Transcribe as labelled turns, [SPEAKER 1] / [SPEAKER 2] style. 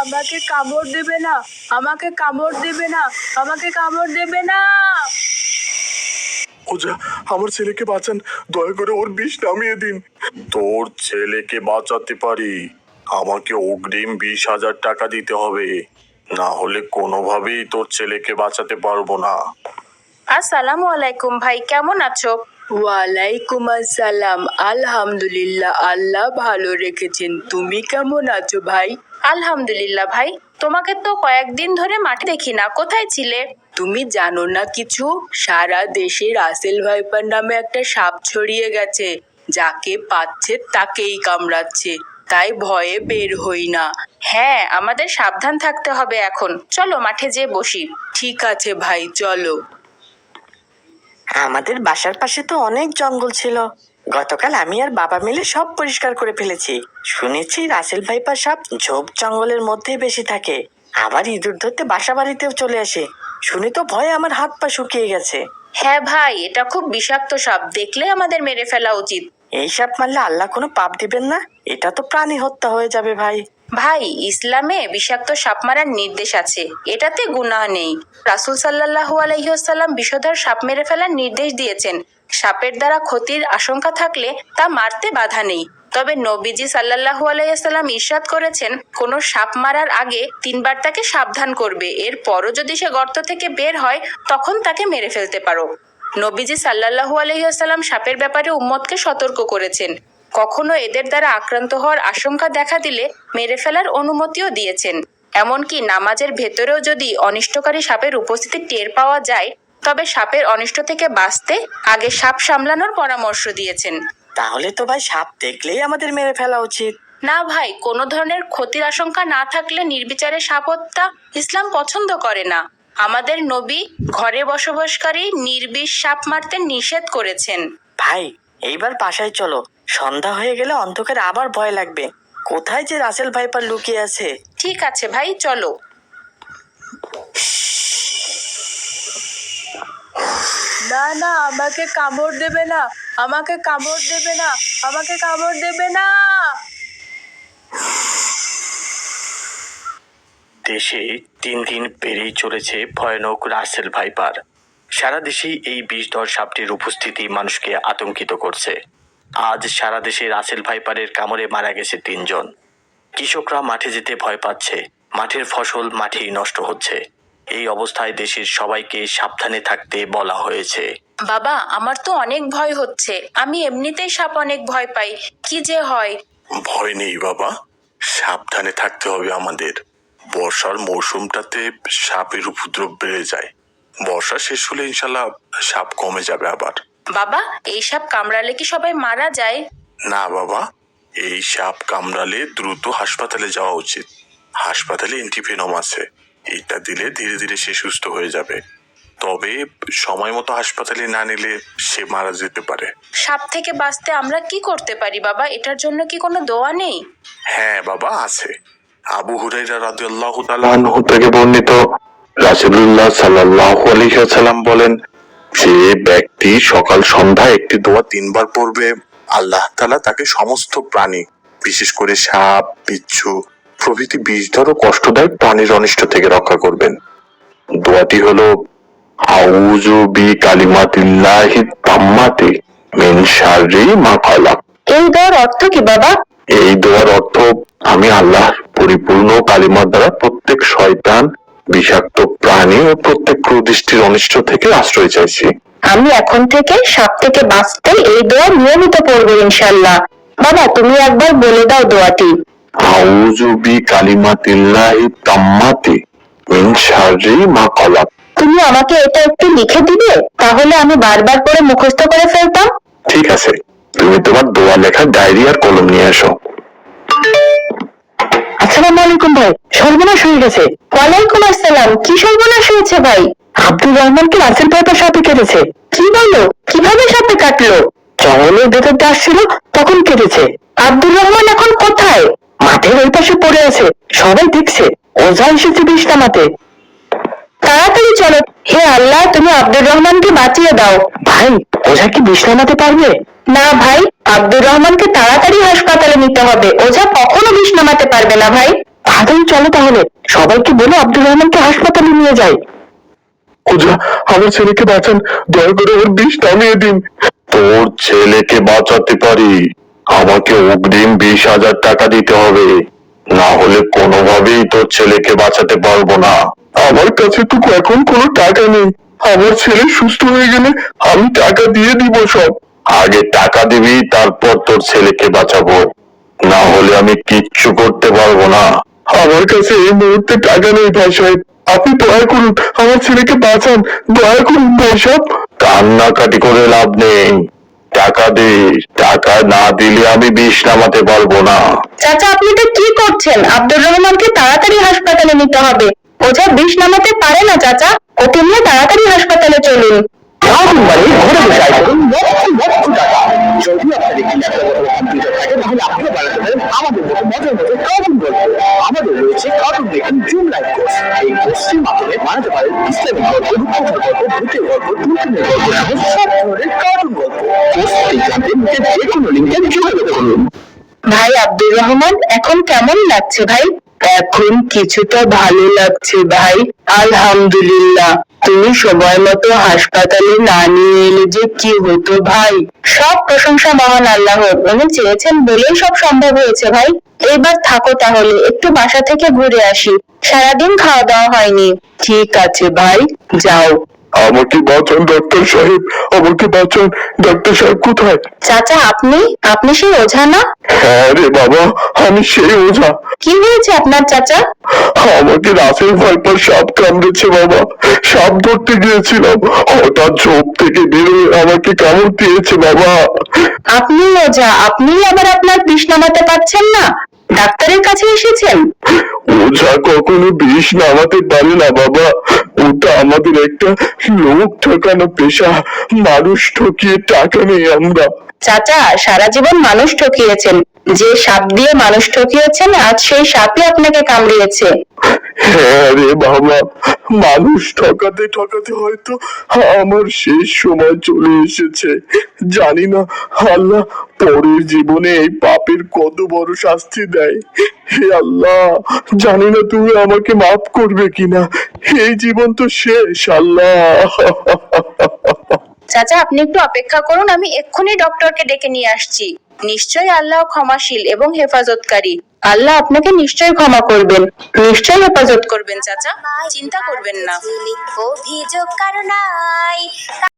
[SPEAKER 1] আমাকে কামড় দেবে না, আমাকে কামড় দেবে না, আমাকে কামড় দেবে না।
[SPEAKER 2] ওঝা, আমার ছেলেকে বাঁচান, দয়া করে ওর বিষ নামিয়ে দিন। তোর ছেলেকে বাঁচাতে পারি, আমাকে অগ্রিম 20,000 টাকা দিতে হবে, না হলে কোনোভাবেই তোর ছেলেকে বাঁচাতে পারবো না।
[SPEAKER 3] আসসালামু আলাইকুম ভাই, কেমন আছো?
[SPEAKER 1] ওয়ালাইকুম আসসালাম। আলহামদুলিল্লাহ, আল্লাহ ভালো রেখেছেন। তুমি কেমন আছো ভাই?
[SPEAKER 3] আলহামদুলিল্লাহ ভাই, তোমাকে তো কয়েকদিন ধরে মাঠে দেখি না, কোথায় ছিলে?
[SPEAKER 1] তুমি জানো না কিছু? সারা দেশে রাসেল ভাইপার নামে একটা সাপ ছড়িয়ে গেছে, যাকে পাচ্ছে তাকেই কামড়াচ্ছে, তাই ভয়ে বের হই না।
[SPEAKER 3] হ্যাঁ, আমাদের সাবধান থাকতে হবে এখন। চলো মাঠে যেয়ে বসি।
[SPEAKER 1] ঠিক আছে ভাই, চলো।
[SPEAKER 4] আমাদের বাসার পাশে তো অনেক জঙ্গল ছিল, গতকাল আমি আর বাবা মিলে সব পরিষ্কার করে ফেলেছি। শুনেছি রাসেল ভাইপার সাপ ঝোপ জঙ্গলের মধ্যেই বেশি থাকে, আবার ইঁদুর ধরতে বাসা বাড়িতেও চলে আসে। শুনে তো ভয়ে আমার হাত পা শুকিয়ে গেছে।
[SPEAKER 3] হ্যাঁ ভাই, এটা খুব বিষাক্ত সাপ, দেখলে আমাদের মেরে ফেলা উচিত।
[SPEAKER 4] এই সাপ মারলে আল্লাহ কোনো পাপ দিবেন না? এটা তো প্রাণী হত্যা হয়ে যাবে ভাই।
[SPEAKER 3] ভাই, ইসলামে বিষাক্ত সাপ মারার নির্দেশ আছে, এটাতে গুনাহ নেই। রাসূল সাল্লাল্লাহু আলাইহি ওয়াসাল্লাম বিষধর সাপ মেরে ফেলার নির্দেশ দিয়েছেন। সাপের দ্বারা ক্ষতির আশঙ্কা থাকলে তা মারতে বাধা নেই। তবে নবীজি সাল্লাল্লাহু আলাইহি ওয়াসাল্লাম ইরশাদ করেছেন, কোনো সাপ মারার আগে 3 বার তাকে সাবধান করবে, এরপরও যদি সে গর্ত থেকে বের হয় তখন তাকে মেরে ফেলতে পারো। নবীজি সাল্লাল্লাহু আলাইহি ওয়াসাল্লাম সাপের ব্যাপারে উম্মতকে সতর্ক করেছেন। কখনো এদের দ্বারা আক্রান্ত হওয়ার আশঙ্কা দেখা দিলে মেরে ফেলার অনুমতিও দিয়েছেন। এমনকি নামাজের ভেতরেও যদি অনিষ্টকারী সাপের উপস্থিতি টের পাওয়া যায়, তবে সাপের অনিষ্ট থেকে বাঁচতে আগে সাপ সামলানোর পরামর্শ দিয়েছেন।
[SPEAKER 4] তাহলে তো ভাই সাপ দেখলেই আমাদের মেরে ফেলা উচিত।
[SPEAKER 3] না ভাই, কোনো ধরনের ক্ষতির আশঙ্কা না থাকলে নির্বিচারে সাপ হত্যা ইসলাম পছন্দ করে না। আমাদের নবী ঘরে বসবাসকারী নির্বিষ সাপ মারতে নিষেধ করেছেন।
[SPEAKER 4] ভাই, এইবার বাসায় চলো, সন্ধ্যা হয়ে গেলে অন্ধকারে আবার ভয় লাগবে। কোথায় যে রাসেল ভাইপার লুকিয়ে আছে।
[SPEAKER 3] ঠিক আছে ভাই, চলো।
[SPEAKER 1] না না, আমাকে কামড় দেবে না, আমাকে কামড় দেবে না, আমাকে কামড় দেবে না।
[SPEAKER 2] দেশে 3 দিন পেরিয়ে চলেছে ভয়ানক রাসেল ভাইপার। সারা দেশেই এই বিষধর সাপটির উপস্থিতি মানুষকে আতঙ্কিত করছে। আজ সারা দেশে রাসেল ভাইপারের কামড়ে মারা গেছে 3 জন। কৃষকরা মাঠে যেতে ভয় পাচ্ছে, মাঠের ফসল মাঠেই নষ্ট হচ্ছে। এই অবস্থায় দেশের সবাইকে সাবধানে থাকতে বলা হয়েছে।
[SPEAKER 3] বাবা, আমার তো অনেক ভয় হচ্ছে, আমি এমনিতেই সাপ অনেক ভয় পাই, কি যে হয়।
[SPEAKER 2] ভয় নেই বাবা, সাবধানে থাকতে হবে আমাদের। বর্ষার মৌসুমটাতে সাপের উপদ্রব বেড়ে যায়, বর্ষা শেষ হলে ইনশাল্লাহ সাপ কমে যাবে আবার।
[SPEAKER 3] বাবা, এই সাপ কামড়ালে কি সবাই মারা যায়?
[SPEAKER 2] না বাবা, এই সাপ কামড়ালে দ্রুত হাসপাতালে যাওয়া উচিত। হাসপাতালে অ্যান্টিভেনম আছে, এটা দিলে ধীরে ধীরে সে সুস্থ হয়ে যাবে। তবে সময় মতো হাসপাতালে না নিলে সে মারা যেতে পারে।
[SPEAKER 3] সাপ থেকে বাঁচতে আমরা কি করতে পারি বাবা? এটার জন্য কি কোনো দোয়া নেই?
[SPEAKER 2] হ্যাঁ বাবা, আছে। আবু হুরায়রা রাদিয়াল্লাহু তাআলা আনহু থেকে বর্ণিত, রাসূলুল্লাহ সাল্লাল্লাহু আলাইহি ওয়াসাল্লাম বলেন, যে ব্যক্তি সকাল সন্ধ্যা একটি দোয়া 3 বার পড়বে, আল্লাহ তাআলা তাকে সমস্ত প্রাণী, বিশেষ করে সাপ, বিচ্ছু প্রভৃতি বিষধর ও কষ্টদায়ক প্রাণীর অনিষ্ট থেকে রক্ষা করবেন। দোয়াটি হলো, আউযু বিকালিমাতিল্লাহি তাম্মাতি মিন শাররি মা খালাক।
[SPEAKER 3] এই দোয়ার অর্থ কি বাবা?
[SPEAKER 2] এই দোয়ার অর্থ, আমি আল্লাহর পরিপূর্ণ কালিমার দ্বারা প্রত্যেক শয়তান, বিষাক্ত প্রাণী ও প্রত্যেক কুদৃষ্টির অনিষ্ট থেকে আশ্রয় চাইছি।
[SPEAKER 3] আমি এখন থেকে সাপ থেকে বাঁচতে এই দোয়া নিয়মিত পড়বো ইনশাআল্লাহ। বাবা, তুমি একবার বলে দাও দোয়াটি।
[SPEAKER 2] আউযু বিকালিমাতিল্লাহি তাম্মাতি মিন শাররি মা খালাক।
[SPEAKER 3] তুমি আমাকে এটা একটু লিখে দিবে, তাহলে আমি বারবার করে মুখস্থ করে ফেলতাম।
[SPEAKER 2] ঠিক আছে, তুমি তোমার দোয়া লেখা ডায়েরি আর কলম নিয়ে এসো।
[SPEAKER 4] আসসালামু আলাইকুম ভাই, সর্বনাশ হয়ে গেছে।
[SPEAKER 3] ওয়ালাইকুম আসসালাম, কি সর্বনাশ হয়েছে ভাই?
[SPEAKER 4] আব্দুর রহমানকে রাসেল ভাইপার সাপে কেটেছে।
[SPEAKER 3] কি বলো? কিভাবে সাপে কাটলো?
[SPEAKER 4] জঙ্গলের ভেতর দিয়ে আসছিল, তখন কেটেছে।
[SPEAKER 3] আব্দুর রহমান এখন কোথায়?
[SPEAKER 4] মাঠের ওই পাশে পড়ে আছে, সবাই দেখছে। ওঝা এসেছে বিষ নামাতে।
[SPEAKER 3] তাড়াতাড়ি চলো। হে আল্লাহ, তুমি আব্দুর রহমানকে বাঁচিয়ে দাও।
[SPEAKER 4] ভাই, ওঝা কি বিষ নামাতে পারবে?
[SPEAKER 3] না ভাই, আব্দুর রহমানকে তাড়াতাড়ি হাসপাতালে নিতে হবে, ওঝা কখনো বিষ নামাতে পারবে না ভাই।
[SPEAKER 4] তাড়াতাড়ি চলো তাহলে, সবাইকে বলে আব্দুর রহমানকে হাসপাতালে নিয়ে যাই।
[SPEAKER 2] ওঝা, আমার ছেলেকে বাঁচান, দয়া করে ওর বিষ নামিয়ে দিন। তোর ছেলেকে বাঁচাতে পারি, আমাকে অগ্রিম 20,000 টাকা দিতে হবে, না হলে কোনোভাবেই তোর ছেলেকে বাঁচাতে পারবো না। আমার কাছে তো এখন কোনো টাকা নেই, আমার ছেলে সুস্থ হয়ে গেলে আমি টাকা দিয়ে দিব সব। আগে টাকা দিবি, তারপর তোর ছেলেকে বাঁচাবো, না হলে আমি কিচ্ছু করতে পারবো না। আমার কাছে এই মুহূর্তে টাকা নেই ভাই সাহেব, আপনি দয়া করুন আমার ছেলেকে বাঁচান, দয়া করুন ভাই সাহেব। কান্নাকাটি করে লাভ নেই, টাকা দে, টাকা না দিলে আমি বিষ নামাতে পারবো না।
[SPEAKER 3] চাচা, আপনি তো কি করছেন? আব্দুর রহমানকে তাড়াতাড়ি হাসপাতালে নিতে হবে। ওঝা বিষ নামাতে পারে না চাচা, ওকে নিয়ে তাড়াতাড়ি হাসপাতালে চলুন।
[SPEAKER 4] ঘরে বসে আয় করুন লক্ষ টাকা। যদি আপনার একটি ল্যাপটপ অথবা কম্পিউটার থাকে তাহলে আপনিও বানাতে পারেন আমাদের মতো মজার মজার কার্টুন গল্প। আমাদের রয়েছে cartoon making zoom live course. এই কোর্সের মাধ্যমে বানাতে পারেন ইসলামিক গল্প, রূপকথার গল্প, ভূতের গল্প, টুনটুনের গল্প সহ সব ধরনের কার্টুন গল্প। কোর্সটি জানতে নিচে যে কোনো লিঙ্কে যোগাযোগ করুন।
[SPEAKER 3] ভাই আব্দুর রহমান, এখন কেমন লাগছে ভাই? এখন কিছুটা ভালো লাগছে ভাই, আলহামদুলিল্লাহ। তুমি সময় মতো হাসপাতালে না নিয়ে এলে যে কি হতো ভাই। সব প্রশংসা মহান আল্লাহর, উনি চেয়েছেন বলেই সব সম্ভব হয়েছে ভাই। এইবার থাকো তাহলে, একটু বাসা থেকে ঘুরে আসি, সারাদিন খাওয়া দাওয়া হয়নি। ঠিক আছে ভাই, যাও।
[SPEAKER 2] আমাকে বাঁচান ডাক্তার সাহেব, আমাকে বাঁচান। ডাক্তার সাহেব কোথায়?
[SPEAKER 3] চাচা, আপনি সেই ওঝা না?
[SPEAKER 2] হ্যাঁ রে বাবা, আমি সেই ওঝা।
[SPEAKER 3] কি হয়েছে আপনার চাচা?
[SPEAKER 2] আমাকে রাসেল ভাইপার সাপ কামড়েছে বাবা, সাপ ধরতে গিয়েছিলাম, হঠাৎ ঝোপ থেকে বেরোয় আমাকে কামড় দিয়েছে বাবা।
[SPEAKER 3] আপনি ওঝা, আপনি আবার আপনার বিষ নামাতে পারছেন না, ডাক্তারের কাছে এসেছেন?
[SPEAKER 2] ওঝা কখনো বিষ নামাতে পারে না বাবা, ওটা আমাদের একটা লোক ঠকানো পেশা, মানুষ ঠকিয়ে টাকা নেই আমরা।
[SPEAKER 3] চাচা, সারা জীবন মানুষ ঠকিয়েছেন, যে সাপ দিয়ে মানুষ ঠকিয়েছেন আজ সেই সাপই আপনাকে কামড়িয়েছে।
[SPEAKER 2] হ্যাঁ রে বাবা, মানুষ ঠকাতে ঠকাতে হয়তো আমার শেষ সময় চলে এসেছে। জানি না আল্লাহ পরের জীবনে এই পাপের কত বড় শাস্তি দেয়। হে আল্লাহ, জানি না তুমি আমাকে মাফ করবে কিনা, এই জীবন তো শেষ আল্লাহ।
[SPEAKER 3] চাচা, আপনি একটু অপেক্ষা করুন, আমি এক্ষুনি ডক্টরকে ডেকে নিয়ে আসছি। নিশ্চয়ই আল্লাহ ক্ষমাশীল এবং হেফাজতকারী, আল্লাহ আপনাকে নিশ্চয়ই ক্ষমা করবেন, নিশ্চয়ই হেফাজত করবেন চাচা, চিন্তা করবেন না।
[SPEAKER 5] অভিযোগ কারো নাই।